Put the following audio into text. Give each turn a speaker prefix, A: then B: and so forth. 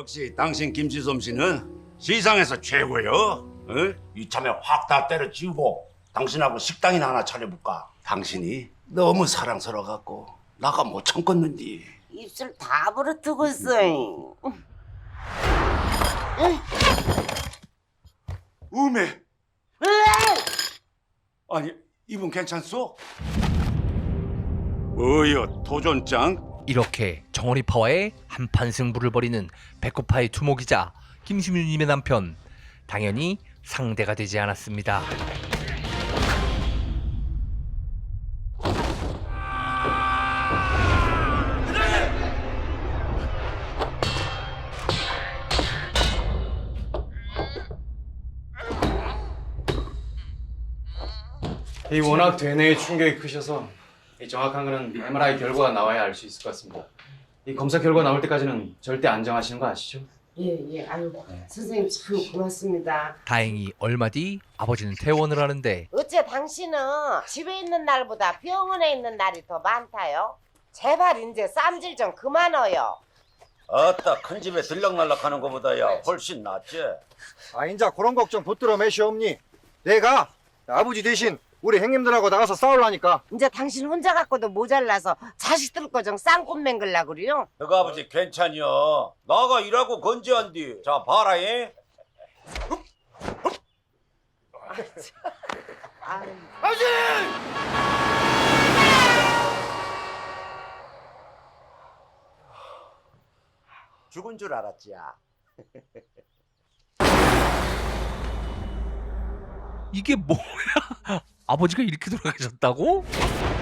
A: 역시 당신 김지솜 씨는 시상에서 최고요. 어?
B: 이참에 확 다 때려치우고 당신하고 식당이나 하나 차려볼까?
A: 당신이 너무 사랑스러워갖고 나가 못 참겠는디.
C: 입술 다 부러뜨고 있어.
A: 음에. 아니 이분 괜찮소? 뭐여 도전장?
D: 이렇게 정어리 파와의 한판 승부를 벌이는 배꼽파의 두목이자 김시민님의 남편, 당연히 상대가 되지 않았습니다.
E: 이 워낙 대뇌의 충격이 크셔서 이 정확한 거는 MRI 결과가 나와야 알 수 있을 것 같습니다. 이 검사 결과 나올 때까지는 절대 안정하시는 거 아시죠?
C: 예. 아유, 선생님 참 고맙습니다.
D: 다행히 얼마 뒤 아버지는 퇴원을 하는데
C: 어째 당신은 집에 있는 날보다 병원에 있는 날이 더 많다요? 제발 이제 쌈질 좀 그만어요.
B: 아따 큰 집에 들락날락하는 것보다야 훨씬 낫지.
F: 아 인자 그런 걱정 붙들어 매시옵니. 내가 아버지 대신 우리 형님들하고 나가서 싸우려니까.
C: 이제 당신 혼자 갖고도 모자라서 자식들 거 좀 쌍꽃 맹글라 그래요?
B: 너가 아버지 괜찮여. 나가 일하고 건재한디. 자 봐라 예.
C: 아유.
B: 죽은 줄 알았지야.
D: 이게 뭐야? 아버지가 이렇게 돌아가셨다고?